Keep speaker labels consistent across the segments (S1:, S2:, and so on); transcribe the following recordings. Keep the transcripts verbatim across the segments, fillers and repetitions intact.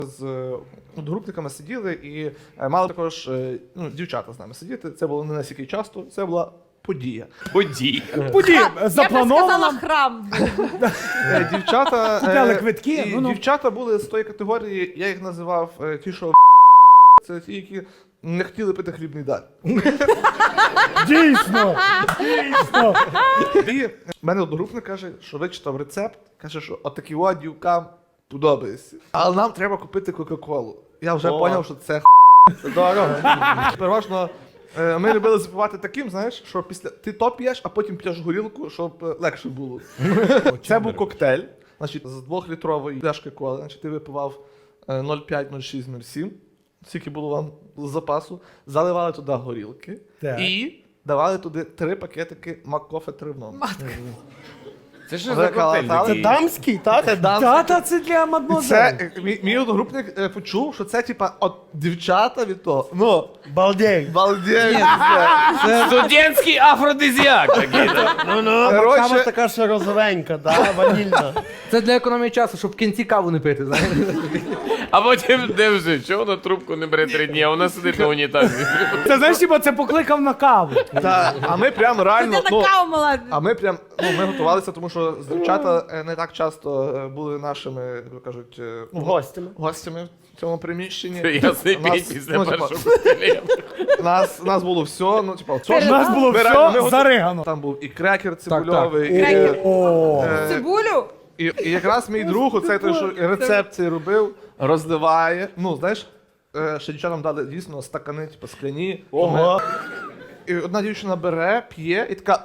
S1: З одногрупниками сиділи і мали також ну, дівчата з нами сидіти. Це було не настільки часто, це була подія.
S2: Подій.
S3: Події
S4: Я би
S3: заплановано.
S4: сказала храм.
S1: Е, Дівчата,
S3: Купляли
S1: е,
S3: квитки,
S1: і
S3: ну-ну.
S1: дівчата були з тої категорії, я їх називав е, ті, що це ті, які не хотіли пити хлібний дар.
S3: Дійсно. Дійсно.
S1: І в мене одногрупник каже, що вичитав рецепт, каже, що отакі от дівкам подобається. Але нам треба купити Кока-Колу. Я вже зрозумів, що це це дорого. Переважно е, ми любили запивати таким, знаєш, що після ти то п'єш, а потім п'єш горілку, щоб е, легше було. Це був коктейль, значить, з двохлітрової пляшки коли, значить, ти випивав е, нуль п'ять, нуль шість, нуль сім, скільки було вам з запасу, заливали туди горілки
S3: Так.
S1: і давали туди три пакетики Маккофе три в одному.
S2: Це що за коктейль
S1: Заколотали.
S2: такий?
S5: Дамський, так?
S1: Це дамський.
S3: Тата, це для
S1: І
S3: мадмозель.
S1: це е, мій, мій одногрупник е, почув, що це типа от дівчата від того. Ну,
S5: Балдей.
S1: балдєй.
S2: Студентський афродизіак такий.
S5: Ну, ну.
S1: Короче-
S5: Кава така ще розовенька, да, ванільна.
S6: Це для економії часу, щоб в кінці каву не пити, знаєш.
S2: А потім де вже? Чого вона трубку не бере три дні, а вона сидить на унітазі?
S3: Це знаєш, типа, це покликав на каву.
S1: Та, а ми прям реально.
S4: Ти
S1: Ну,
S4: на каву мала.
S1: а ми прям ну, ми готувалися, тому що дівчата е, не так часто е, були нашими, як то кажуть, е,
S5: Гостями.
S1: гостями в цьому приміщенні.
S2: Ясний
S1: Нас-
S2: пінь після
S1: ну, типа,
S2: першого коктейля.
S1: Нас, нас було все, ну, типа,
S3: У нас було
S1: Ми реально- ми
S3: все
S1: готу-
S3: заригано.
S1: Там був і крекер цибульовий, і,
S4: Крекер.
S3: О,
S1: е,
S4: Цибулю?
S1: І, і якраз мій друг, оцей той, що рецепт цей робив, розливає. Ну, знаєш, е, ще дівчатам дали дійсно стакани, типу, скляні.
S5: Ого.
S1: І одна дівчина бере, п'є і така.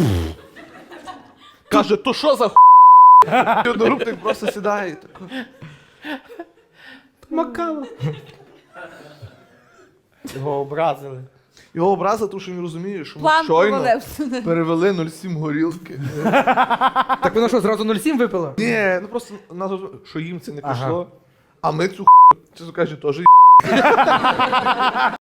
S1: Каже, то що за ху? І одногрупник просто сідає і тако.
S3: макава.
S5: Його образили.
S1: Його образа, тому що він розуміє, що ми
S4: План
S1: щойно
S4: провалився.
S1: перевели нуль сім горілки.
S6: Так воно що, зразу нуль сім випила?
S1: Ні, ну просто нас, що їм це не
S6: Ага.
S1: пішло, а ми цю ху, чесно кажучи, теж